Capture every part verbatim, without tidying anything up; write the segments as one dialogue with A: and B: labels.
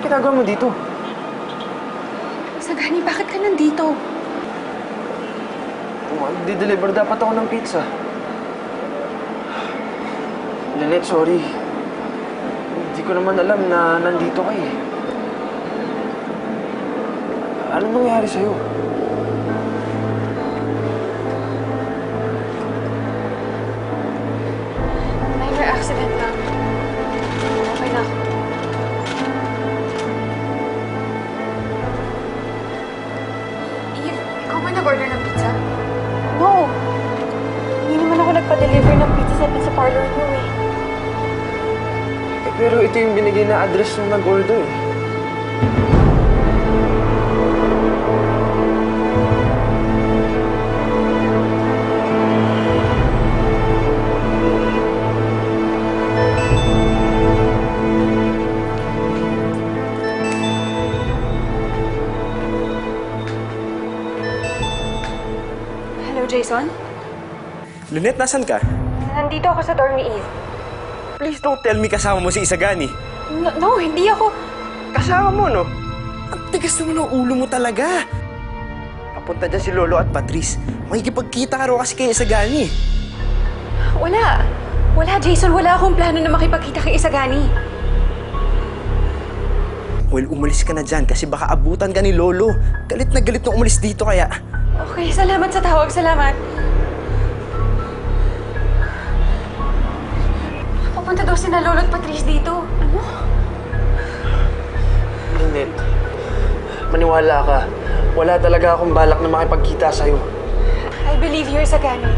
A: ginagawa mo dito?
B: Isagani, bakit ka nandito?
A: Di-deliver dapat ako ng pizza. Lynette, sorry. Hindi ko naman alam na nandito ka eh. Anong nangyari sa'yo?
B: Minor accident lang. Okay na. Eve, ikaw ba nag-order ng pizza?
C: No! Hindi naman ako nagpa-deliver ng pizza sa pizza parlor mo eh.
A: Eh, pero ito yung binigay na address nung nag-order eh.
B: Hello, Jason?
D: Lynette, nasan ka?
C: Nandito ako sa dorm ni Eve.
D: Please don't tell me kasama mo si Isagani.
C: No, no, hindi ako...
D: Kasama mo, no? Ang tigas naman ng ulo mo talaga. Papunta dyan si Lolo at Patrice. Makikipagkita ka raw kasi kay Isagani.
B: Wala. Wala, Jason. Wala akong plano na makipagkita kay Isagani.
D: Well, umalis ka na dyan kasi baka abutan ka ni Lolo. Galit na galit nung umalis dito kaya.
B: Okay, salamat sa tawag. Salamat. Papunta daw si na Lolo at Patrice dito. Ano?
A: Lynette, maniwala ka. Wala talaga akong balak na makipagkita sa'yo.
B: I believe you, Isagani.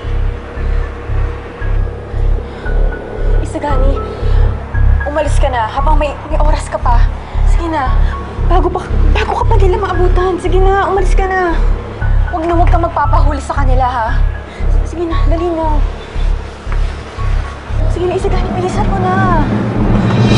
C: Isagani, umalis ka na habang may, may oras ka pa. Sige na, bago pa, bago ka pa nila maabutan. Sige na, umalis ka na. Huwag na huwag kang magpapahuli sa kanila, ha? Sige na, dali na. Sige na, Isagani, bilisan mo na.